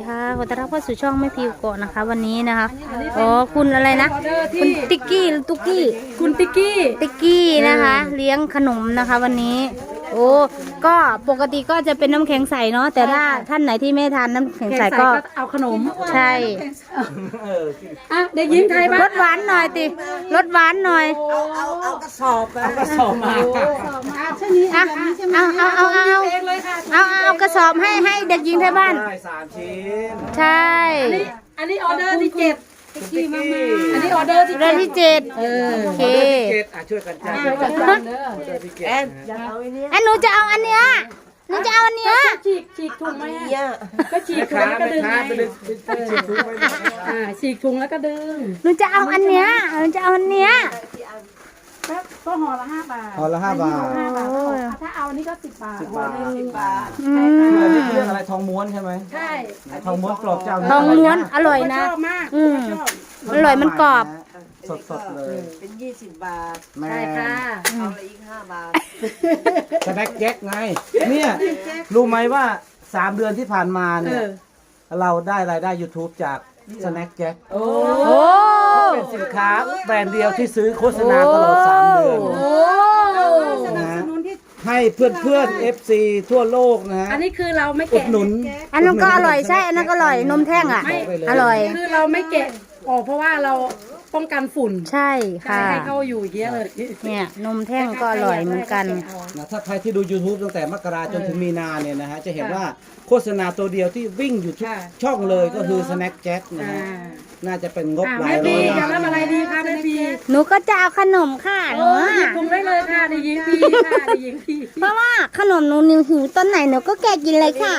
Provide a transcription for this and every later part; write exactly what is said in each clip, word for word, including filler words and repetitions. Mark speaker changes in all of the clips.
Speaker 1: ค่ะขอต้อนรับเข้าสู่ช่องแม่พิวโกะนะคะวันนี้นะคะอ๋อคุณอะไรนะคุณติ๊กกี้หรือตุ๊กกี้
Speaker 2: คุณติ๊กกี้
Speaker 1: ติ๊กกี้นะคะเลี้ยงขนมนะคะวันนี้โอ้ก็ปกติก็จะเป็นน้ำแข็งใสเนาะแต่ถ้าท่านไหนที่ไม่ทานน้ำแข็งใสก็
Speaker 2: เอาขนม
Speaker 1: ใช่
Speaker 2: อ่ะเด็กหญิงไทยบ้าง
Speaker 1: รสหวานหน่อยติรสหวานหน่อย
Speaker 3: เอาเอาเอากระสอบเอากระสอบมา
Speaker 2: ใช่นี้
Speaker 1: อ่ะเอาเอาเอาเอาเอาเอาเอากระสอบให้ให้เด็กหญิงไทยบ้าน
Speaker 3: สามชิ้น
Speaker 1: ใช่
Speaker 2: อันนี้ออเดอร์ที่เจ็ดอันนี้ออเดอร์ที่
Speaker 1: เดือนที่เจ็ดเออโอเค
Speaker 3: ช่วยกันจ้า
Speaker 2: ช่วยกันจ้าเด้อ
Speaker 3: แอนอยากเอาไอ้นี่
Speaker 1: ไอ้หนูจะเอาอันเนี้ยหนูจะเอาอันเนี้ย
Speaker 2: ฉีกฉีกถุงไหมก็ฉีกถุงแล้วก็ดึงไงอ่าฉีกถุงแล้วก็ดึง
Speaker 1: หนูจะเอาอันเนี้ยหนูจะเอาอันเนี้ย
Speaker 2: ก็ห่อละห้าบาท
Speaker 3: ห่อละห้าบาท
Speaker 2: ถ้าเอาอันนี้ก็สิบบาท
Speaker 3: สิบบาทสิบบาท
Speaker 1: อืม
Speaker 3: อันนี้เรื่องอะไรทองม้วนใช่ไหม
Speaker 2: ใช่
Speaker 3: ทองม้วนกรอบเจ้า
Speaker 1: ทองม้วนอร่อยนะ
Speaker 2: ชอบมาก
Speaker 1: อืมอร่อยมันกรอบ
Speaker 3: สดๆเลย
Speaker 4: เป็นยี่สิบบาท
Speaker 2: ใช่ค่ะ
Speaker 4: เอาละอีกห้าบาท
Speaker 3: สแน็คแจ็คไงเนี่ยรู้ไหมว่าสามเดือนที่ผ่านมาเนี่ยเราได้รายได้ ยูทูบ จากสแน็คแจ็ค
Speaker 2: โอ้
Speaker 3: เป็นสินค้าแบรนด์เดียวที่ซื้อโฆษณาตลอดสามเดือนนะให้เพื่อนเพื่อนเอฟซีทั่วโลกนะฮะ
Speaker 2: อันนี้คือเราไม่
Speaker 3: อุด
Speaker 2: แกะ
Speaker 3: หนุน
Speaker 1: อันนั้นก็อร่อยใช่อันนั้นก็อร่อยนมแท่งอ่ะอร่อย
Speaker 2: คือเราไม่แกะออกเพราะว่าเราป้องกันฝุ่น
Speaker 1: ใช่ค่ะ
Speaker 2: ให้เขาอยู่อย่างเงี้ยเลย
Speaker 1: เนี่ยนมแท่งก็อร่อยเหมือนกัน
Speaker 3: นะถ้าใครที่ดู ยูทูบ ตั้งแต่มกราจนถึงมีนาเนี่ยนะฮะจะเห็นว่าโฆษณาตัวเดียวที่วิ่งอยู่ทุกช่องเลยก็คือ สแน็คแจ็ค นะฮะน่าจะเป็นงบหลายร้อย
Speaker 2: ล้านจะรับอะไรดีคะแม่พี
Speaker 1: หนูก็จะเอาขนมค่ะหนู
Speaker 2: หยิบถุงได้เลยค่ะได้ยิงพี่ค่ะได้ยิงพี่
Speaker 1: เพราะว่าขนมหนูนิวหิวต้นไหนหนูก็แกะกินเลยค่ะ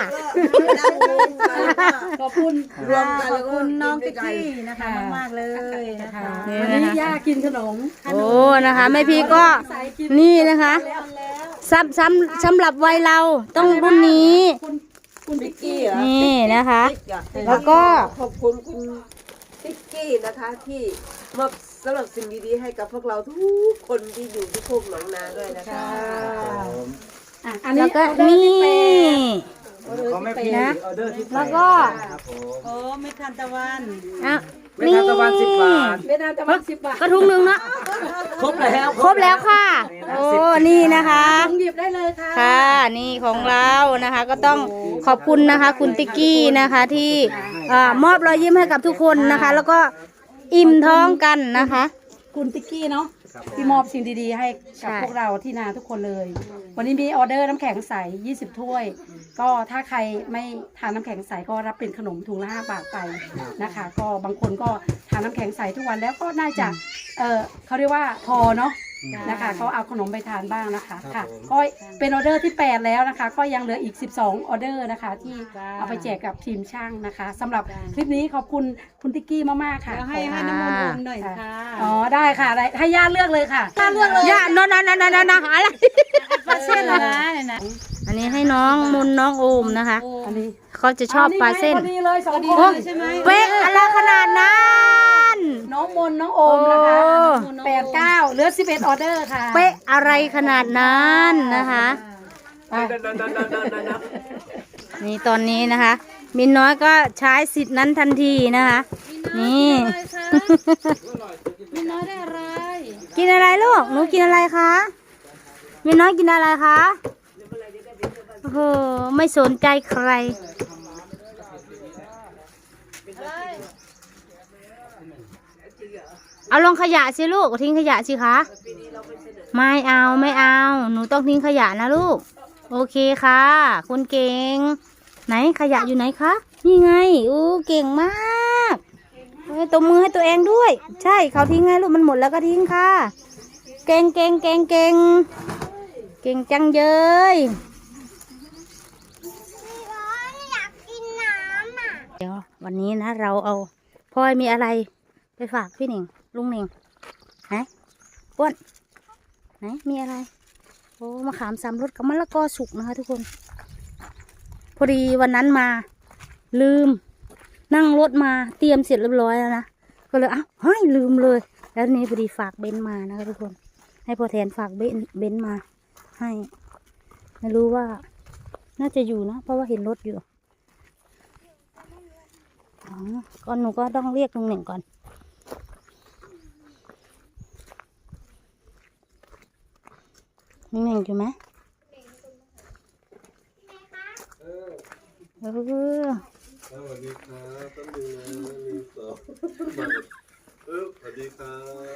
Speaker 2: ขอบคุณ
Speaker 4: รวมกันแล้วก็
Speaker 2: น้องติ๊กกี้นะคะมากเลยนะคะวันนี้ย่ากินขนม
Speaker 1: โอ้นะคะแม่พีก็นี่นะคะซ้ำซ้ำสำหรับวัยเราต้องรุ่นนี้
Speaker 4: คุณติ๊กกี้
Speaker 1: นี่นะคะแล้วก็
Speaker 4: ขอบคุณคุณติ๊กกี้นะคะที่มอบสำหรับสิ่งดีๆให้กับพวกเราทุกคนที่อยู่ที่โคกหนองนาด้วยนะคะ
Speaker 2: อันนี้
Speaker 1: แล้วก็นี่
Speaker 3: นะ
Speaker 1: แล้วก็
Speaker 2: โอ้เม็ดทานตะวัน
Speaker 1: อ่ะ
Speaker 3: นี่เม็ดทานตะวันสิบบาท
Speaker 2: เม็ดทานตะวันสิบบาท
Speaker 1: กระทุงหนึ่งนะ
Speaker 3: ครบแล้ว
Speaker 1: ครบแล้วค่ะโอ้นี่นะคะ
Speaker 2: หยิบได้เลยค่ะ
Speaker 1: ค่ะนี่ของเรานะคะก็ต้องขอบคุณนะคะคุณติ๊กกี้นะคะที่มอบรอยยิ้มให้กับทุกคนนะคะแล้วก็อิ่มท้องกันนะคะ
Speaker 2: คุณติ๊กกี้เนาะที่มอบสิ่งดีๆให้กับพวกเราที่นาทุกคนเลยวันนี้มีออเดอร์น้ำแข็งใสยี่สิบถ้วยก็ถ้าใครไม่ทานน้ำแข็งใสก็รับเป็นขนมถุงละห้าบาทไปนะคะก็บางคนก็ทานน้ำแข็งใสทุกวันแล้วก็น่าจะเออเขาเรียกว่าพอเนาะนะคะเขาเอาขนมไปทานบ้างนะคะค่ะก็เป็นออเดอร์ที่แปดแล้วนะคะก็ยังเหลืออีกสิบสองออเดอร์นะคะที่เอาไปแจกกับทีมช่างนะคะสำหรับคลิปนี้ขอบคุณคุณติ๊กกี้มากๆค่ะ
Speaker 1: ให้ให้น้ำมันอุ่นหน่อย
Speaker 2: ค่ะอ๋อได้ค่ะได้ให้ย่าเลือกเลยค่ะ
Speaker 1: ย่าเลือกเลยย่านอนนอนนอนนอนอะไร
Speaker 2: ปลาเส้นอะไรนะ
Speaker 1: อันนี้ให้น้องมุนน้องโอมนะคะ
Speaker 2: อันนี้
Speaker 1: เขาจะชอบปลาเส้น
Speaker 2: ดีเลยสองคนใช่ไหม
Speaker 1: เป๊ะอะไรขนาดนั้น
Speaker 2: น้องมนน้องโอมนะคะแปดเก้าเหลือสิบเอ็ดออเดอร์ค่ะ
Speaker 1: เป๊ะอะไรขนาดนั้นนะคะนี่ตอนนี้นะคะมินน้อยก็ใช้สิทธิ์นั้นทันทีนะคะนี่
Speaker 2: มินน้อยได้อะไร
Speaker 1: กินอะไรลูกหนูกินอะไรคะมินน้อยกินอะไรคะโอ้โหไม่สนใจใครเอาลงขยะสิลูกทิ้งขยะสิคะไม่เอาไม่เอาหนูต้องทิ้งขยะนะลูกโอเคค่ะคุณเก่งไหนขยะอยู่ไหนคะนี่ไงอู้เก่งมากตบมือให้ตัวเองด้วยใช่เขาทิ้งไงลูกมันหมดแล้วก็ทิ้งค่ะเก่งเก่งเก่งเก่งเก่งจังเยยเดี๋ยววันนี้นะเราเอาพ่อยมีอะไรไปฝากพี่หนิงลุงหนิงไหนอ้วนไหนมีอะไรโอ้มะขามสามรสกับมะละกอสุกนะคะทุกคนพอดีวันนั้นมาลืมนั่งรถมาเตรียมเสร็จเรียบร้อยแล้วนะก็เลยอ้าวเฮ้ยลืมเลยแล้วนี้พอดีฝากเบนมานะคะทุกคนให้พอแทนฝากเบนเบนมาให้ไม่รู้ว่าน่าจะอยู่นะเพราะว่าเห็นรถอยู่อ๋อก็หนูก็ต้องเรียกลุงเหน่งก่อนลุงเหน่งอยู่ไหมเออ
Speaker 5: สวัสดีครับต้องดูนะหนึ่งสองมาเออสวัสดีครับ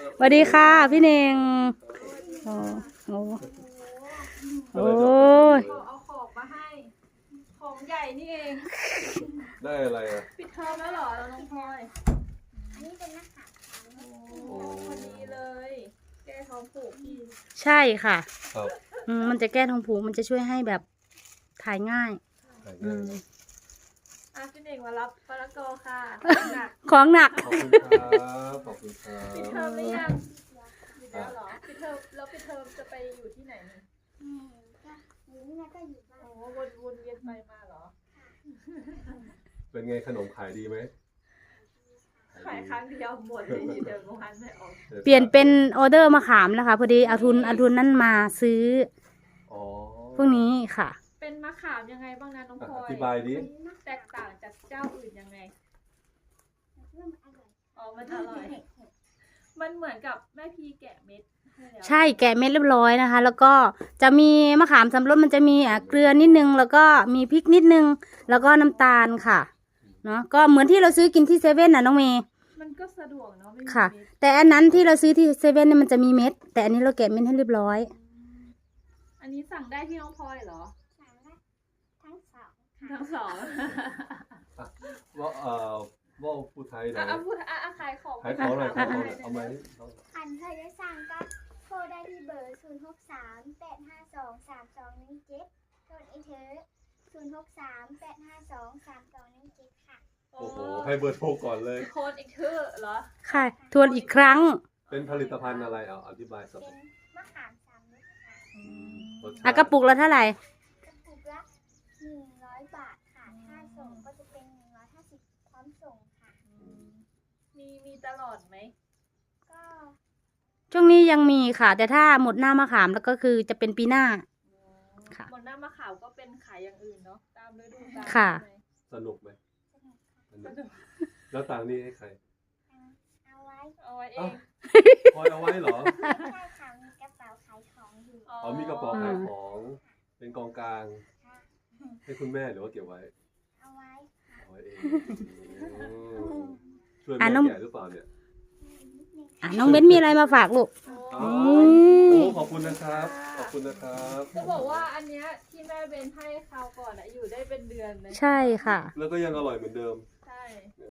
Speaker 1: สวัสดีค่ะพี่เหน่งโอ้โหโอ้ย
Speaker 6: เอาของมาให้ ของใหญ่นี่เอง
Speaker 5: ได้อะไรอ่ะ
Speaker 6: ปิดเทอมแล้วเหรอน้องพลอย
Speaker 7: อันนี้เป็นนักข่าว
Speaker 6: โอ้พอดีเลย แก้ท้องผูกพี่
Speaker 1: ใช่ค่ะ
Speaker 5: ครับ
Speaker 1: อืมมันจะแก้ท้องผูกมันจะช่วยให้แบบถ่ายง่าย อืม
Speaker 6: อ่ะพี่เน่งมารับปลากอค่ะหนัก
Speaker 1: ของหนัก
Speaker 5: ขอบคุณครับขอบคุณครั
Speaker 6: ปิด
Speaker 5: บ
Speaker 6: เทอมหรือยังปิดแล้วเหรอปิดเทอมแล้วปิดเทอมจะไปอยู่ที่ไหนนี่
Speaker 7: อืมก็หรือไม่ก็อยู่บ้าน
Speaker 6: โอ้วนวนเวียนไปมาเหรอ
Speaker 5: เป็นไงขนมขายดีไหม
Speaker 6: ขายครั้งเดียวหมดเลยเดี๋ยวงานไม่ออก
Speaker 1: เปลี่ยนเป็นออเดอร์มะขามแล้วค่ะพอดีเอาทุนเอาทุนนั่นมาซื้อ
Speaker 5: อ๋อ
Speaker 1: พวกนี้ค่ะ
Speaker 6: เป็นมะขามยังไงบ้างนะน้องพล
Speaker 5: อ่ะ
Speaker 6: อ
Speaker 5: อย ธิบายดิ
Speaker 6: แตกต่างจากเจ้าอื่นยังไง
Speaker 7: เรื่องอร่อย
Speaker 6: อ๋อ มันอร่อย มันเหมือนกับแม่พีแกะเม็ดให้แล้ว
Speaker 1: ใช่แกะเม็ดเรียบร้อยนะคะ แล้วก็จะมีมะขามสำรสมันจะมีอ่ะเกลือนิดนึง แล้วก็มีพริกนิดนึง แล้วก็น้ำตาลค่ะเนาะก็เหมือนที่เราซื้อกินที่เซเว่นน่ะน้องเมย์
Speaker 6: มันก็สะดวกเนาะไม่มี
Speaker 1: ค่ะ
Speaker 6: เม็ด
Speaker 1: แต่อันนั้นที่เราซื้อที่เซเว่นเนี่ยมันจะมีเม็ด แต่อันนี้เราแกะเม็ดให้เรียบร้อย
Speaker 6: อันนี้สั่งได้ที่น้องพลอยเหรอ
Speaker 7: สามารถทั้งสอง
Speaker 6: ทั้งสอง
Speaker 5: ว่าเอ่อว่าผู้ไทยหน่
Speaker 6: อ่ะ
Speaker 5: อย
Speaker 6: อ่ะพูดอ่ะอ่ะขายของ
Speaker 5: ขายของหน่อยขายของหน่อยเอาไหม
Speaker 7: อันเคยได้สั่งก็โทรได้ที่เบอร์ศูนย์หกสามแปดห้าสองสามสองหนึ่งเจ็ดโทรอีเทอศูนย์หกสามแปดห้าสองสามสองหนึ่งเจ็ดค่ะ
Speaker 6: โอ้
Speaker 5: โอ้โหให้เบอร์โทรก่อนเลย
Speaker 6: โค้ดอีกชื่อเหรอ
Speaker 1: ค่ะ ทวนอีกครั้ง
Speaker 5: เป็นผลิตภัณฑ์อะไรเอาอธิบายสัก
Speaker 7: เป็นมะขามสามรสค่ะ
Speaker 5: รสชาติ
Speaker 1: อ่ะกระปุกละเท่าไหร่
Speaker 7: กระปุกละหนึ่งร้อยบาทค่ะถ้าส่งก็จะเป็นหนึ่งร้อยห้าสิบพร้อมส่งค่ะ
Speaker 6: มีมีตลอดไหม
Speaker 7: ก็
Speaker 1: ช่วงนี้ยังมีค่ะ แต่ถ้าหมดหน้ามะขามแล้วก็คือจะเป็นปีหน้า ค่ะ
Speaker 6: หมดหน้ามะขามก็เป็นขายอย่างอื่นเนาะ ตามฤดูกาล
Speaker 1: ค่ะ
Speaker 6: ใช่ไหม
Speaker 5: สนุกไหม
Speaker 7: สนุกค่ะ
Speaker 5: สนุกแล้วตังค์นี่ให้ใคร
Speaker 7: เอาไว้
Speaker 6: เอาไว้เอ
Speaker 5: เอ้า
Speaker 6: ง
Speaker 5: คอยเอาไว้เหรอ
Speaker 7: ไม่ใช่ค่ะมีกระเป๋าขายของอยู่
Speaker 5: อ๋อมีกระเป๋าขายของ เป็นกองกลาง
Speaker 7: ค่ะ
Speaker 5: ให้คุณแม่หรือว่าเก็บไว้
Speaker 7: เอาไว้ค่ะ
Speaker 5: เอาไว้เองอืมช่วย
Speaker 1: อ่ะ
Speaker 5: แม่
Speaker 1: น้อง
Speaker 5: แก่หรือเปล่าเนี่ย
Speaker 7: นิดนึง
Speaker 1: อ่ะน้องเบ้นมีอะไรมาฝากลูก
Speaker 5: อ๋อ
Speaker 1: ม
Speaker 5: โอ้ขอบคุณนะครับ ขอบคุณนะครับ
Speaker 6: จะบอกว่าอันเนี้ยที่แม่เบนให้คราวก่อนอะอยู่ได้เป็นเดือนเลย
Speaker 1: ใช่ค่ะ
Speaker 5: แล้วก็ยังอร่อยเหมือนเดิม
Speaker 6: ใช่